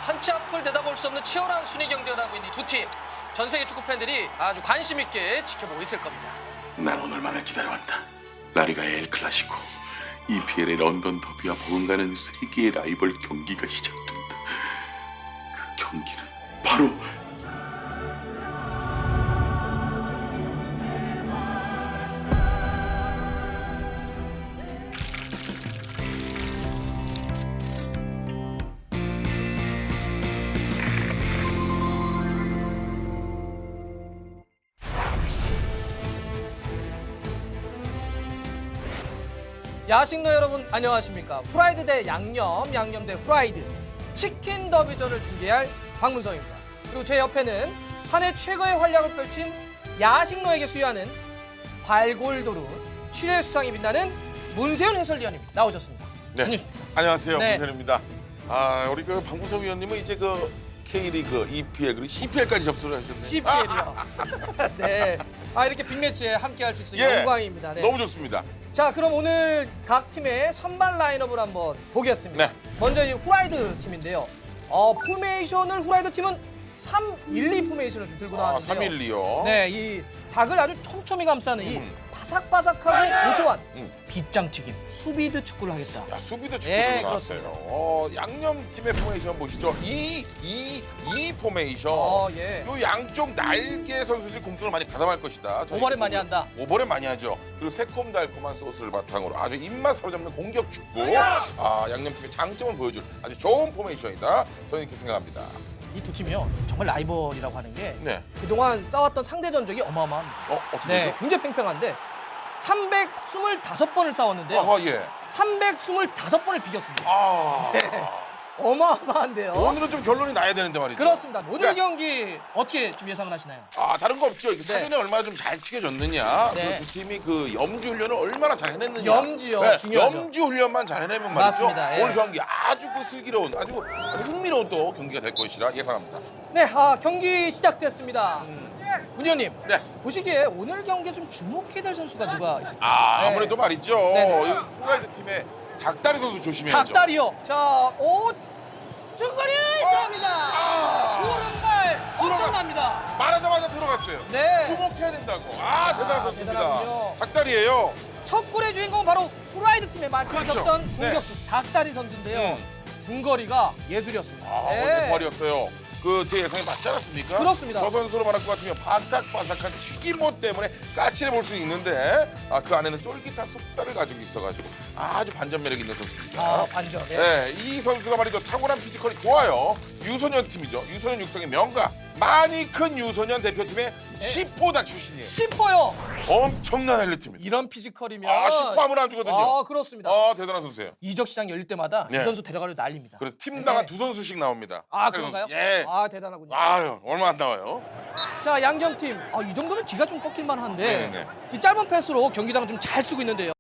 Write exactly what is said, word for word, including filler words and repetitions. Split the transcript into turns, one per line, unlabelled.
한 치 앞을 내다볼 수 없는 치열한 순위 경쟁을 하고 있는 이 두 팀. 전 세계 축구 팬들이 아주 관심 있게 지켜보고 있을 겁니다.
난 오늘만을 기다려왔다. 라리가의 엘 클라시코, 이피엘의 런던 더비와 버금가는 세계의 라이벌 경기가 시작된다. 그 경기는 바로
야식노 여러분 안녕하십니까. 프라이드 대 양념, 양념 대 프라이드 치킨 더비전을 중계할 박문성입니다. 그리고 제 옆에는 한 해 최고의 활약을 펼친 야식노에게 수여하는 발골도루 취재 수상이 빛나는 문세윤 해설위원님 나오셨습니다.
네.
안녕하십니까.
안녕하세요.
네.
문세윤입니다. 아, 우리 그 박문성 위원님은 이제 그 K리그, 이피엘 그리고 씨피엘까지 접수를 하셨네요.
씨피엘이요. 네. 아 이렇게 빅매치에 함께할 수 있어
예,
영광입니다. 네.
너무 좋습니다.
자, 그럼 오늘 각 팀의 선발 라인업을 한번 보겠습니다.
네.
먼저 이 후라이드 팀인데요. 어, 포메이션을 후라이드 팀은 삼 일 이 포메이션을 좀 들고
아,
나왔는데요.
삼 일 이요.
네, 이 닭을 아주 촘촘히 감싸는 이
음.
바삭바삭하고 고소한
음.
빗장 튀김 수비드 축구를 하겠다.
야, 수비도 축구도
예,
나왔어요.
그렇습니다.
어, 양념 팀의 포메이션 보시죠. 이, 이, 이 포메이션.
어, 예.
요 양쪽 날개 선수들이 공격을 많이 가담할 것이다. 저희
오버랩 많이 한다.
오버랩 많이 하죠. 그리고 새콤달콤한 소스를 바탕으로 아주 입맛 사로잡는 공격 축구. 아, 양념팀의 장점을 보여줄 아주 좋은 포메이션이다. 저는 이렇게 생각합니다.
이 두 팀이요. 정말 라이벌이라고 하는 게
네.
그동안 싸웠던 상대 전적이 어마어마합니다.
어, 어떻게
네,
되죠?
굉장히 팽팽한데 삼백이십오 번을 싸웠는데요.
아하, 예.
삼백이십오 번을 비겼습니다.
아.
네. 어마어마한데요.
오늘은 좀 결론이 나야 되는데 말이죠.
그렇습니다. 오늘
그러니까,
경기 어떻게 좀 예상을 하시나요?
아, 다른 거 없죠. 이게
네.
사전에 얼마나 좀 잘 튀겨졌느냐.
네.
그 두 팀이 그 염지 훈련을 얼마나 잘 해냈느냐. 네,
염지요, 중요하죠.
염지 훈련만 잘 해내면 말이죠.
맞습니다. 예.
오늘 경기 아주 그 슬기로운, 아주, 아주 흥미로운 또 경기가 될 것이라 예상합니다.
네, 아, 경기 시작됐습니다. 문 의원님,
네.
보시기에 오늘 경기에 좀 주목해야 될 선수가 누가 있습니까?
아,
네.
아무래도 말이죠.
네네.
이 후라이드 팀의 닭다리 선수 조심해야죠.
닭다리요. 자, 오, 중거리 들어갑니다.
아.
오른발 엄청납니다.
말하자마자 들어갔어요.
네.
주목해야 된다고. 아, 대단한 선수입니다.
대단하군요.
닭다리예요.
첫 골의 주인공은 바로 후라이드 팀의 말씀하셨던
그렇죠. 네.
공격수 닭다리 선수인데요.
음.
중거리가 예술이었습니다.
아,
네.
오늘 대발이었어요. 그 제 예상이 맞지 않았습니까?
그렇습니다.
저 선수로 말할 것 같으면 바삭바삭한 튀김옷 때문에 까칠해 볼 수 있는데 아, 그 안에는 쫄깃한 속살을 가지고 있어가지고 아주 반전 매력 있는 선수입니다.
아, 반전. 예.
네, 이 선수가 말이죠. 타고난 피지컬이 좋아요. 유소년 팀이죠. 유소년 육성의 명가. 많이 큰 유소년 대표팀의 시포다 출신이에요.
시퍼요.
엄청난 엘리트입니다.
이런 피지컬이면
아, 시포 하면 안 주거든요.
아, 그렇습니다.
아, 대단한 선수예요.
이적 시장 열릴 때마다
네.
이 선수 데려가려 난립니다.
그래서 팀당한
네.
두 선수씩 나옵니다.
아,
그래서,
그런가요?
예.
아, 대단하군요.
아유, 얼마 안 나와요.
자, 양경팀. 아, 이 정도면 기가 좀 꺾일 만한데
네네.
이 짧은 패스로 경기장을 좀 잘 쓰고 있는데요.